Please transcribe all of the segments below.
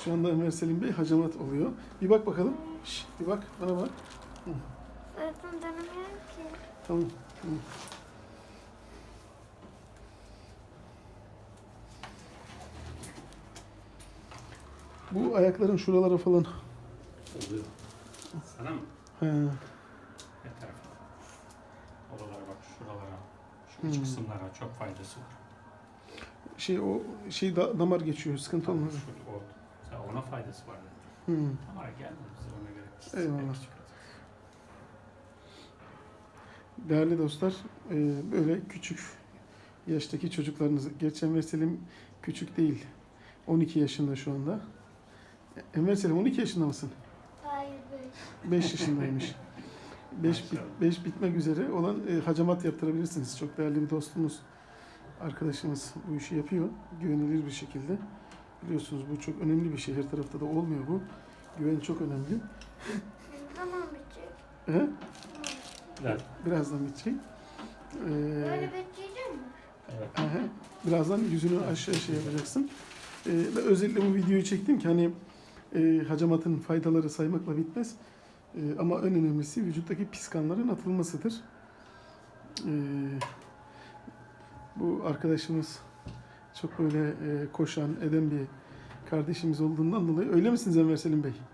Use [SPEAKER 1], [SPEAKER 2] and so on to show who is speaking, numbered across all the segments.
[SPEAKER 1] Şu anda Enver Selim Bey hacamat oluyor. Bir bak bakalım. Şşt, bir bak, bana bak.
[SPEAKER 2] Öğretmen dönemiyorum ki.
[SPEAKER 1] Tamam. Tamam. Bu ayakların şuralara falan.
[SPEAKER 3] Oluyor. Sana mı?
[SPEAKER 1] He.
[SPEAKER 3] Ne tarafa? Oralara bak, şuralara. Şu iç kısımlara çok faydası var.
[SPEAKER 1] Damar geçiyor. Sıkıntı olmaz.
[SPEAKER 3] Ona faydası var.
[SPEAKER 1] Hı.
[SPEAKER 3] Ama geldi bize ona göre.
[SPEAKER 1] Eyvallah. Değerli dostlar, böyle küçük yaştaki çocuklarınızı, gerçi Enver Selim küçük değil, 12 yaşında şu anda. Enver Selim 12 yaşında mısın?
[SPEAKER 2] Hayır
[SPEAKER 1] 5 yaşındaymış. 5 bitmek üzere olan hacamat yaptırabilirsiniz. Çok değerli bir dostumuz, arkadaşımız bu işi yapıyor. Güvenilir bir şekilde. Biliyorsunuz bu çok önemli bir şey. Her tarafta da olmuyor bu. Güven çok önemli.
[SPEAKER 2] Ne zaman bitecek?
[SPEAKER 1] He?
[SPEAKER 3] Evet.
[SPEAKER 1] Birazdan bitecek.
[SPEAKER 2] Böyle bekleyeceğim mi?
[SPEAKER 3] Evet.
[SPEAKER 1] Aha, birazdan yüzünü aşağı yapacaksın. Ve özellikle bu videoyu çektim ki hani hacamatın faydaları saymakla bitmez. Ama en önemlisi vücuttaki pis kanların atılmasıdır. Bu arkadaşımız çok böyle koşan, eden bir kardeşimiz olduğundan dolayı. Öyle misiniz Enver Selim Bey?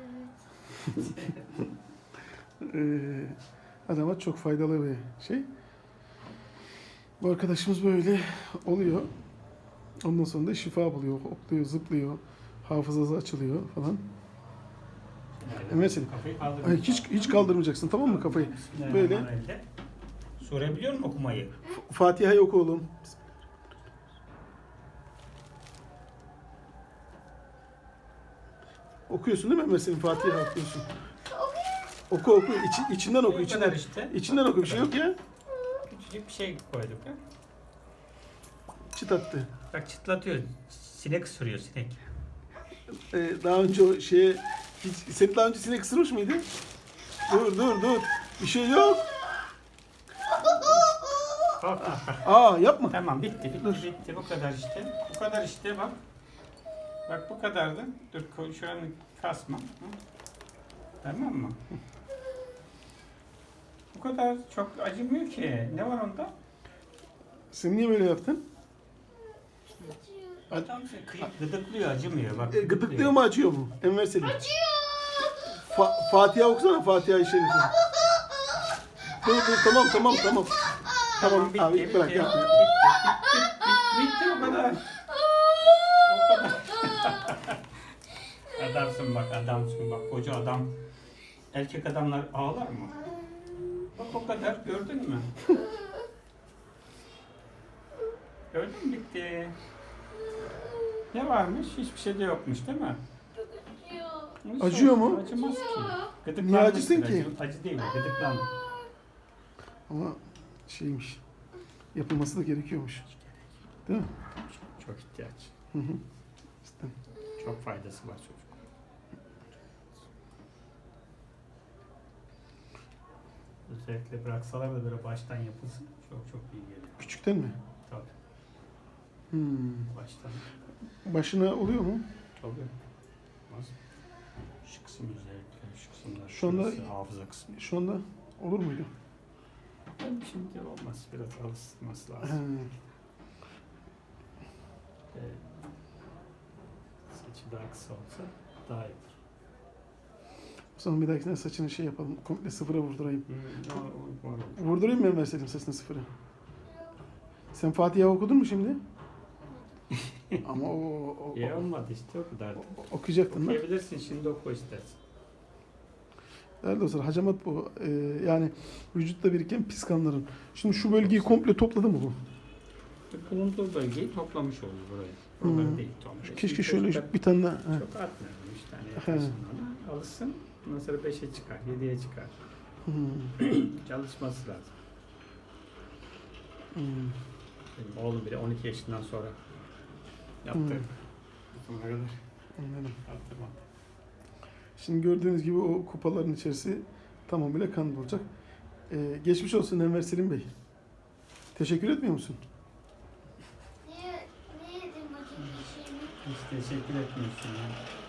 [SPEAKER 2] Evet.
[SPEAKER 1] Hacamat çok faydalı bir şey. Bu arkadaşımız böyle oluyor. Ondan sonra da şifa buluyor, hopluyor, zıplıyor, hafızası açılıyor falan. Mesela
[SPEAKER 3] Kafayı kaldır.
[SPEAKER 1] ay, hiç kaldırmayacaksın, tamam mı kafayı? Böyle.
[SPEAKER 3] Sure biliyor musun okumayı?
[SPEAKER 1] Fatiha'yı oku oğlum. Okuyorsun değil mi mesela? Fatiha okuyorsun. Oku. İçinden oku, içinden.
[SPEAKER 3] işte.
[SPEAKER 1] İçinden oku, bir şey yok ya.
[SPEAKER 3] Küçücük bir şey koyduk ya.
[SPEAKER 1] Çıt attı.
[SPEAKER 3] Bak çıtlatıyor. Sinek ısırıyor sinek.
[SPEAKER 1] Daha önce o sen daha önce sinek ısırmış mıydın? Dur. Bir şey yok. Yapma.
[SPEAKER 3] Tamam bitti. Bu kadar işte. Bu kadar işte bak. Bak bu kadardı. Dur şuranı kasma. Hı? Tamam mı? Bu kadar çok acımıyor ki. Ne var onda?
[SPEAKER 1] Sen niye böyle yaptın?
[SPEAKER 3] Adam gıdıklıyor acımıyor. Bak,
[SPEAKER 1] Gıdıklıyor mu, acıyor mu? Enver Selim. Fatiha okusana, Fatiha-i Şerife. Dur tamam. Tamam
[SPEAKER 3] bitti,
[SPEAKER 1] abi,
[SPEAKER 3] bitti,
[SPEAKER 1] bırak
[SPEAKER 3] bitti,
[SPEAKER 1] yapma.
[SPEAKER 3] bitti o kadar. O kadar. Adamsın bak koca adam. Erkek adamlar ağlar mı? Bak o kadar gördün mü? Gördün mü bitti. Ne varmış? Hiçbir şey de yokmuş değil mi? Nasıl
[SPEAKER 1] Acıyor
[SPEAKER 3] olsun?
[SPEAKER 1] mu?
[SPEAKER 3] Acımaz ki. Gıdıklandı
[SPEAKER 1] Niye acısın
[SPEAKER 3] işte,
[SPEAKER 1] ki?
[SPEAKER 3] Acı değil, gıdıklandı.
[SPEAKER 1] Ama şeymiş, yapılması da gerekiyormuş. Değil mi?
[SPEAKER 3] Çok ihtiyaç.
[SPEAKER 1] Hı. İşte.
[SPEAKER 3] Çok faydası var çocuk. Özellikle bıraksalar da böyle baştan yapılsın çok iyi gelir.
[SPEAKER 1] Küçükten mi?
[SPEAKER 3] Tabii. Baştan.
[SPEAKER 1] Başına oluyor mu?
[SPEAKER 3] Tabii. Nasıl? Şu kısım özellikle, şu kısımlar.
[SPEAKER 1] Şu anda-
[SPEAKER 3] şurası, hafıza kısmı.
[SPEAKER 1] Şu anda olur muydu?
[SPEAKER 3] Şimdi olmaz. Biraz alışması lazım.
[SPEAKER 1] He.
[SPEAKER 3] Saçı daha kısa olsa daha iyi olur.
[SPEAKER 1] O zaman bir dahakine saçını yapalım. Komple sıfıra vurdurayım.
[SPEAKER 3] Var.
[SPEAKER 1] Vurdurayım mı Enver Selim saçını sıfıra? Sen Fatiha okudun mu şimdi? Ama
[SPEAKER 3] İyi olmadı işte o kadar.
[SPEAKER 1] okuyacaktın da.
[SPEAKER 3] Okuyabilirsin şimdi oku istersen.
[SPEAKER 1] Değerli dostlar, hacamat bu. Yani vücutta biriken pis kanların. Şimdi şu bölgeyi komple topladı mı bu?
[SPEAKER 3] Bulunduğu bölgeyi toplamış olur burayı. Oraları değil toplamış.
[SPEAKER 1] Keşke şöyle bir tane daha. He.
[SPEAKER 3] Çok atmayalım. 3 tane yaparsın ona. Alışsın. Ondan sonra 5'e çıkar, 7'ye çıkar. Çalışması lazım. Benim oğlum bile 12 yaşından sonra yaptı. Buna kadar
[SPEAKER 1] Anladım.
[SPEAKER 3] yaptırmadı.
[SPEAKER 1] Şimdi gördüğünüz gibi o kupaların içerisi tamamıyla kan olacak. Geçmiş olsun Enver Selim Bey. Teşekkür etmiyor musun?
[SPEAKER 2] Niye yedim acı bir şeyimi?
[SPEAKER 3] Hiç teşekkür etmiyorsun ya.